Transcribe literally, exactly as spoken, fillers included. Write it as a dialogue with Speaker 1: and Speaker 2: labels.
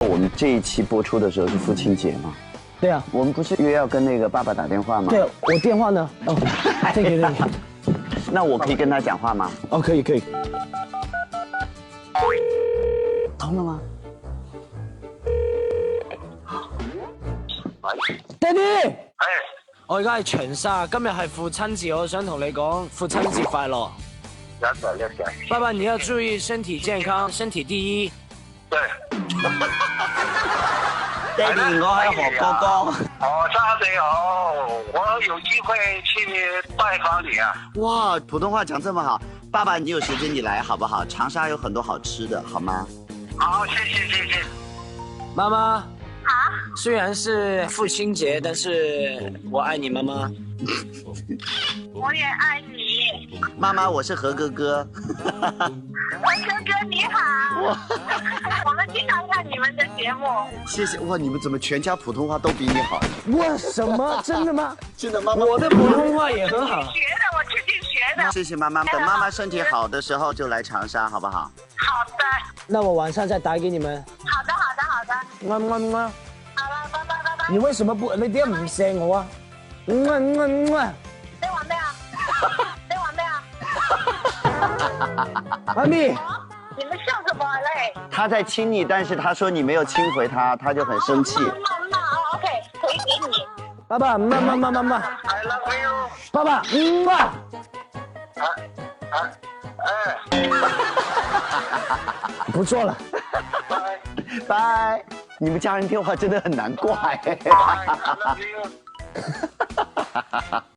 Speaker 1: 我们这一期播出的时候是父亲节嘛？
Speaker 2: 对啊，
Speaker 1: 我们不是约要跟那个爸爸打电话吗？
Speaker 2: 对，我电话呢？哦，这个这个。
Speaker 1: 那我可以跟他讲话吗？
Speaker 2: 哦，可以可以。
Speaker 1: 通了嗎
Speaker 2: ？Daddy，
Speaker 3: 係，
Speaker 2: 我而家喺長沙，今日係父親節，我想同你講父親節快樂。
Speaker 3: 一齊一齊。
Speaker 2: 爸爸，你要注意身體健康，身體第一。
Speaker 3: 對。
Speaker 1: 爹哋，我係何哥哥。
Speaker 3: 哦，沙你好，我有機會去拜訪你啊。
Speaker 1: 哇，普通話講這麼好，爸爸，你有時間你來好不好？長沙有很多好吃的，好嗎？
Speaker 3: 好，謝謝謝謝。
Speaker 2: 媽媽。
Speaker 4: 啊？
Speaker 2: 雖然是父親節，但是我愛你，媽媽。
Speaker 4: 我也愛你。
Speaker 1: 媽媽，我是何哥哥。
Speaker 4: 何哥哥你好。我們經常看你們的節目。
Speaker 1: 謝謝，哇，你們怎麼全家普通話都比你好？
Speaker 2: 哇，什麼？真的嗎？
Speaker 1: 真的，媽媽。
Speaker 2: 我的普通話也很好。
Speaker 4: 學的，我自己學的。
Speaker 1: 謝謝媽媽，等媽媽身體好的時候就來長沙，好不好？
Speaker 4: 好的。
Speaker 2: 那我晚上再打給你們。
Speaker 4: 好的，好的，好的。
Speaker 2: 嗯嗯嗯。
Speaker 4: 好了，拜拜拜拜。
Speaker 2: 你為什麼不？你點解唔錫我啊？嗯嗯嗯嗯。
Speaker 4: 你玩咩啊？你玩咩啊？
Speaker 2: 媽咪。
Speaker 4: 你們笑什麼嘞？
Speaker 1: 他在親你，但是他說你沒有親回他，他就很生氣。
Speaker 4: 媽媽哦 ，OK，可以給你。
Speaker 2: 爸爸，媽媽媽媽媽。
Speaker 3: I love you。
Speaker 2: 爸爸，嗯啊。
Speaker 3: 啊啊哎。
Speaker 2: 不錯了。
Speaker 3: 拜
Speaker 1: 拜。你們家人電話真的很難掛哎。
Speaker 3: I love you。